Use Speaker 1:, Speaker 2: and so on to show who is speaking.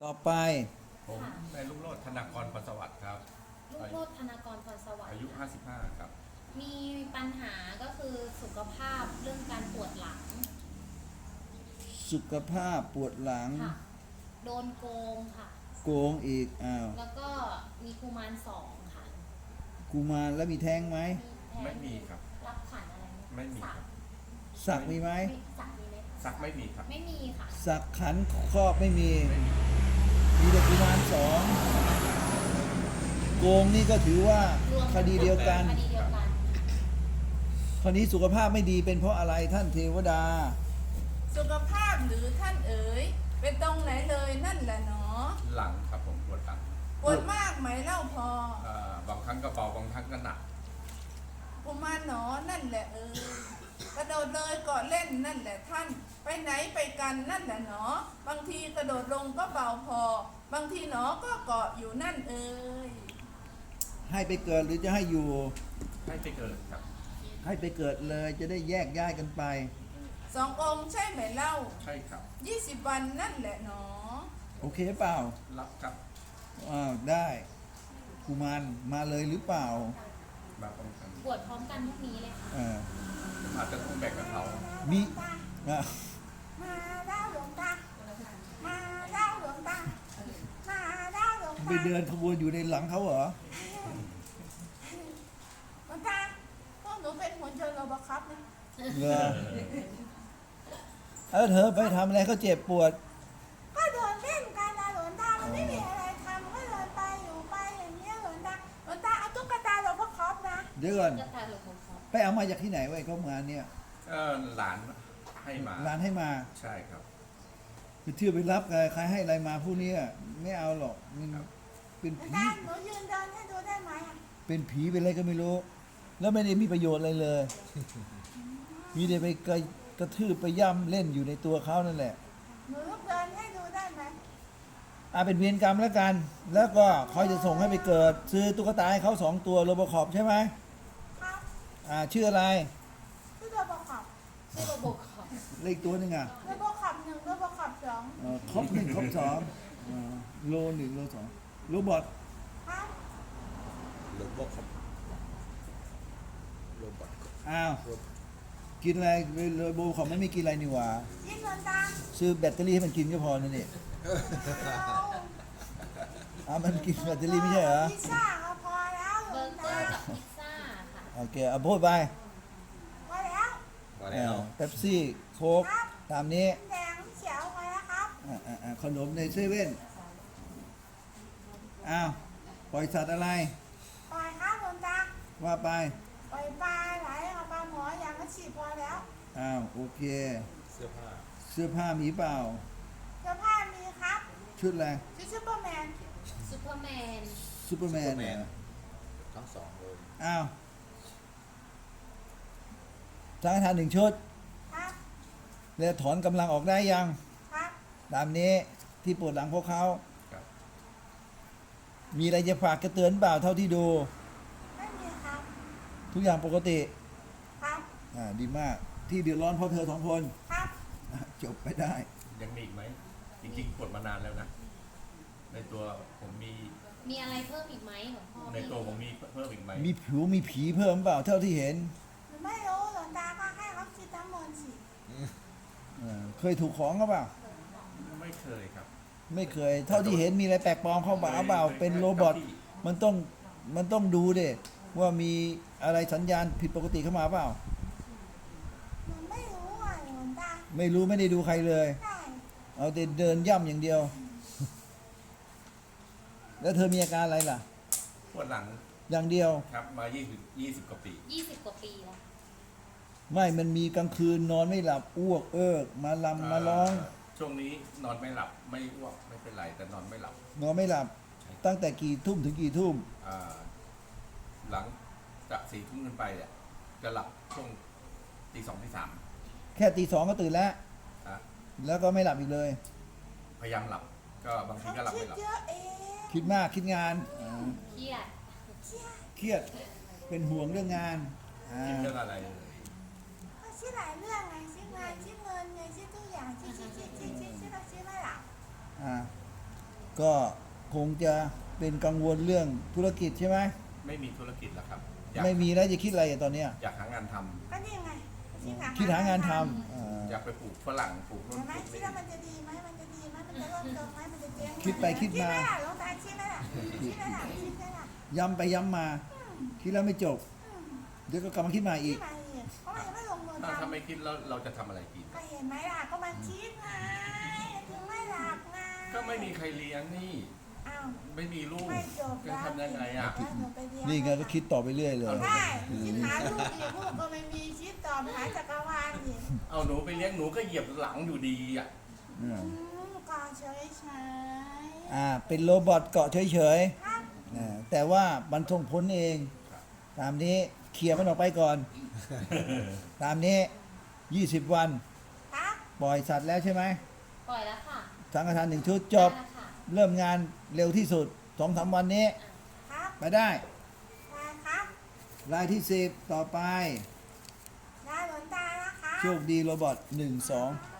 Speaker 1: ต่อไป
Speaker 2: ผมนายลุงโรจน์ธนากรพรสวัสดิ์ครับ
Speaker 3: ลูกโลดธนากรพรสวัสดิ์
Speaker 2: อายุ
Speaker 3: ค่ะ
Speaker 2: 55ครับ
Speaker 3: มีปัญหาก็คือสุขภาพเรื่องการปวดหลัง
Speaker 1: สุขภาพปวดหลัง
Speaker 3: ค่ะโดนโกงค่ะ
Speaker 1: โกงอีก
Speaker 3: แล้วก็มีกุมารสองค่ะ
Speaker 1: กุมารแล้วมีแท้งไหม
Speaker 3: แท้ง
Speaker 2: ไม่มีครับ
Speaker 3: รับขันอะไรห
Speaker 2: ไม่มี
Speaker 3: สัก
Speaker 2: ครับ
Speaker 1: สักมีไหม
Speaker 3: สักมีไหมคะ
Speaker 2: สักไม่มีครับ
Speaker 3: ไม่มีค่ะ
Speaker 1: สักขันครอบไม่มี
Speaker 2: ไม่มี
Speaker 1: มีแต่กุมารสองโกงนี่ก็ถือว่าร
Speaker 3: วม
Speaker 1: คดีเดียวกัน
Speaker 3: คดีเดียวกัน
Speaker 1: คราวนี้สุขภาพไม่ดีเป็นเพราะอะไรท่านเทวดา
Speaker 4: สุขภาพหรือท่านเอ๋ยเป็นตรงไหนเลยนั่นแหละเนาะ
Speaker 2: หลังครับผมปวดหลัง
Speaker 4: ปวดมากไหมเล่าพอบ
Speaker 2: างครั้งก็เบาบางครั้งก็หนัก
Speaker 4: กุมารหนอนั่นแหละเอ๋ยกระโดดเลยเกาะเล่นนั่นแหละท่าน ไปไหนไปกันนั่นแหละเนาะบางทีกระโดดลงก็เบาพอ บางทีหนอก็เกาะอยู่นั่นเอ๋ย
Speaker 1: ให้ไปเกิดหรือจะให้อยู่
Speaker 2: ให้ไปเกิดครับ
Speaker 1: ให้ไปเกิดเลยจะได้แยกย้ายกันไป
Speaker 4: สององค์ใช่ไหมเล่า
Speaker 2: ใช่ครับ
Speaker 4: 20 วันนั่นแหละเนาะ
Speaker 1: โอเคเปล่า
Speaker 2: รับครับ
Speaker 1: ได้กุมารมาเลยหรือเปล่า
Speaker 2: แบบบางครั้ง
Speaker 3: ปวดพร้อมกันพรุ่งนี้เลยค่ะ
Speaker 1: อ่า
Speaker 2: อาจจะต้องแบ่งกับเขา
Speaker 1: มีอ่ะ
Speaker 4: มาเล่าหลวงตามาเล่าหลวงตามาเล่าหลวง
Speaker 1: ไป
Speaker 4: ตา
Speaker 1: เดินขบวนอยู่ในหลังเขาเหรอ
Speaker 4: หลวงตาพวกหนูเป็นหุ่นยนต์โรบอทนะ
Speaker 1: เหรอเธอไปทำอะไรเขาเจ็บปวด
Speaker 4: ก็เดินเล่นกันนะหลวงตามันไม่มีอะไรทำก็เดินไปอยู่ไปอย่างเงี้ยหลวงตาหลวงตาเอาตุ๊กตาโรบอทนะ
Speaker 1: เดี๋ยวก่อน
Speaker 3: จะตายหรือผมครับ
Speaker 1: ไปเอามาจากที่ไหนไว้เขางานเนี่ย
Speaker 2: หลานให้มา
Speaker 1: ร้านให้มา
Speaker 2: ใช่ครับ
Speaker 1: ไปเที่ยวไปรับใครให้อะไรมาผู้นี้ไม่เอาหรอกมัน
Speaker 2: ครับ
Speaker 1: เป็น
Speaker 4: หลวง
Speaker 1: ผี
Speaker 4: ตาหนูยืนเดินให้ดูได้ไหมอ่ะ
Speaker 1: เป็นผีเป็นอะไรก็ไม่รู้ แล้วไม่ได้มีประโยชน์อะไรเลย มีแต่ไปกระทืบไปย่ำเล่นอยู่ในตัวเขานั่นแหละ
Speaker 4: หนูลุกเดินให้ดูได้ไหม
Speaker 1: เป็นเวรกรรมแล้วกัน แล้วก็เขาจะส่งให้ไปเกิด ซื้อตุ๊กตาให้เขา2 ตัวโรบอคอปใช่ไหม
Speaker 4: ครับ
Speaker 1: ชื่ออะไร
Speaker 4: ชื่อโรบอท
Speaker 3: ชื่อโรบอทค่ะ
Speaker 1: เลขตัวหนึง
Speaker 4: โรบอท1โรบอท2
Speaker 1: ครบ1ครบ2โล1โล2โรบอท
Speaker 4: ครับ
Speaker 5: โรบอทครับโรบอท
Speaker 1: อ้าวกินอะไรโรบอคอปไม่กินอะไรนี่หว่า
Speaker 4: ยินหลวงตา
Speaker 1: ซื้อแบตเตอรี่ให้มันกินก็พอนั่นเอง มันกินแบตเตอรี่ไม่ใช่เหรอ
Speaker 4: พิซซ่าก็พอแล้วหล
Speaker 3: เบ
Speaker 4: ว
Speaker 3: อง ร์เกอ
Speaker 4: ตา
Speaker 3: ร์กับพิซซ่าค่ะ
Speaker 1: โอเคพูดไป
Speaker 4: พอแล้ว
Speaker 5: มาแล้ว
Speaker 1: เป๊ปซี่โค้กตามนี้
Speaker 4: แดงเขียวพอแล้วครับ
Speaker 1: ขนมในเซเว่นอ้าวปล่อยสัตว์อะไร
Speaker 4: ปล่อยครับหลวงตา
Speaker 1: ว่าไป
Speaker 4: ปล่อยปลาไหลเอาปลาหมออย่างก็ฉีดพอแล้ว
Speaker 1: โอเค
Speaker 5: เสื้อผ้า
Speaker 1: เสื้อผ้ามีเปล่า
Speaker 4: เสื้อผ้ามีครับ
Speaker 1: ชุดอะไร
Speaker 4: ชุดซูเปอร์แมน
Speaker 3: ซูเปอร์แมน
Speaker 1: ซูเปอร์แมนเหรอ
Speaker 5: ทั้งสองเลย
Speaker 1: สังฆทาน1 ชุด
Speaker 4: ครับ
Speaker 1: แล้วถอนกำลังออกได้ยัง
Speaker 4: ครับ
Speaker 1: ตามนี้ที่ปวดหลังพวกเขา
Speaker 2: ครับ
Speaker 1: มีอะไรจะฝากกระเตือนเปล่าเท่าที่ดู
Speaker 4: ไม่มีครับ
Speaker 1: ทุกอย่างปกติ
Speaker 4: ครับ
Speaker 1: ดีมากที่เดือดร้อนเพราะเธอ2 คน
Speaker 4: ครับ
Speaker 1: จบไปได้
Speaker 2: ยังมีอีกไหม จริงๆปวดมานานแล้วนะ ในตัวผมมี
Speaker 3: มีอะไรเพิ่มอีกไหมหลวงพ่อ
Speaker 2: ในตัวผมมีเพิ่มอีกไหม
Speaker 1: มีผีเพิ่มเปล่าเท่าที่เห็น
Speaker 4: หนูไม่รู้หลวงตาก็ให้เขาคิดทั้งหมดสิ
Speaker 1: เคยถูกของเขาเปล่า
Speaker 2: ไม่เคยครับ
Speaker 1: ไม่เคย เท่าที่เห็นมีอะไรแปลกปลอมเข้ามาเปล่าเป็นโรบอทมันต้องดูดิว่ามีอะไรสัญญาณผิดปกติเข้ามาเปล่า
Speaker 4: หนูไม่รู้อ่ะหลวงตา
Speaker 1: ไม่รู้ไม่ได้ดูใครเลย
Speaker 4: ได้
Speaker 1: เอาแต่เดินย่ำอย่างเดียว แล้วเธอมีอาการอะไรล่ะ
Speaker 2: ปวดหลัง
Speaker 1: อย่างเดียว
Speaker 2: ครับมา20 กว่าปี
Speaker 3: 20 กว่าปีแล้ว
Speaker 1: ไม่มันมีกลางคืนนอนไม่หลับอ้วกเอิกมาลำมาร้อง
Speaker 2: ช่วงนี้นอนไม่หลับไม่อ้วกไม่เป็นไรแต่นอนไม่หลับ
Speaker 1: นอนไม่หลับ ตั้งแต่กี่ทุ่มถึงกี่ทุ่ม
Speaker 2: อ่าหลังจาก4 ทุ่มขึ้นไปเนี่ยจะหลับช่วงตี 2 ตี 3
Speaker 1: แค่ตี 2ก็ตื่นแล้ว
Speaker 2: อ่ะ
Speaker 1: แล้วก็ไม่หลับอีกเลย
Speaker 2: พยายามหลับ ก็บางที
Speaker 4: เขา
Speaker 2: ก็หลับ
Speaker 4: คิ
Speaker 2: ไม่
Speaker 4: ด
Speaker 2: หลับ
Speaker 4: เยอะเอง
Speaker 1: คิดมากคิดงาน
Speaker 3: เครียด
Speaker 1: เครียดเป็นห่วงเรื่องงาน
Speaker 2: คิดเรื่องอะไร
Speaker 4: เขาคิดหลายเรื่องไงคิดงานคิดเงินไงคิดทุกอย่างคิดเราคิดไม่หลับ
Speaker 1: อ่าก็คงจะเป็นกังวลเรื่องธุรกิจใช่ไหม
Speaker 2: ไม่มีธุรกิจแล้วครับอยาก
Speaker 1: ไม่มีแล้วจะคิดอะไรอะตอนเนี้ย
Speaker 2: อยากหางานทำ
Speaker 4: ก็นี่ไง
Speaker 1: คิดหางานทำ
Speaker 2: อยากไปปลูกฝรั่งปลูกนู่น
Speaker 4: ใช่ไหม
Speaker 2: ปลูก
Speaker 4: คิด
Speaker 2: นี่
Speaker 4: ว่ามันจะดีไหมมันจะดีไหมมันจะร่มจมไหมมันจะเจ๊งไหม
Speaker 1: คิดไปคิดมา
Speaker 4: คิดไหมล่ะหลวงตาคิดไหมล่ะคิดไหมล่ะคิดไหมล่ะ
Speaker 1: ย้ำไปย้ำมา คิดแล้วไม่จบ เดี๋ยวก็กลับมาคิดใหม่
Speaker 4: คิ
Speaker 1: อี
Speaker 4: ด
Speaker 1: ก
Speaker 4: มาอีกเพราะมันยังไม่ลงมือ
Speaker 2: ถ้า
Speaker 4: ทำ
Speaker 2: ไม่คิดแล้วเราจะทำอะไรกิน
Speaker 4: ก็เห็นไหมล่ะก็มันคิดไงถึงไม่หลับไง
Speaker 2: ก็ไม่มีใครเลี้ยงนี่
Speaker 4: อ้าว
Speaker 2: ไม่มีลูก
Speaker 4: ไม่จบ
Speaker 2: จะทำยังไงอ่ะ
Speaker 4: แล้วหนูไปเรีย
Speaker 1: นี่ไงก็คิดต่อไปเรื่อยเลย
Speaker 4: ใช่คิดหาลูกอีกลูกก็ไม่มีคิดต่อไปหาจักรวาลอีก
Speaker 2: เอาหนูไปเลี้ยงหนูก็เหยียบหลังอยู่ดีอ่ะ
Speaker 4: ก็เฉยเฉย
Speaker 1: เป็นโรบอทเกาะเฉย
Speaker 4: ๆครับ
Speaker 1: ๆแต่ว่ามันส่งผลเอง ตามนี้เคลียร์มันออกไปก่อน ตามนี้ 20 วัน
Speaker 4: ครับ
Speaker 1: ปล่อยสัตว์แล้วใช่ไหม
Speaker 3: ปล่อยแล้วค่ะ
Speaker 1: สังฆทาน1 ชุดจบ
Speaker 3: ได้แล้วค่ะ
Speaker 1: เริ่มงานเร็วที่สุด 2-3 วันนี้
Speaker 4: ครับ
Speaker 1: ไปได้
Speaker 4: ได้ครับ
Speaker 1: รายที่ 10 ต่อไป
Speaker 4: ได้หลวงตานะคะ
Speaker 1: โชคดีโรบอท1 2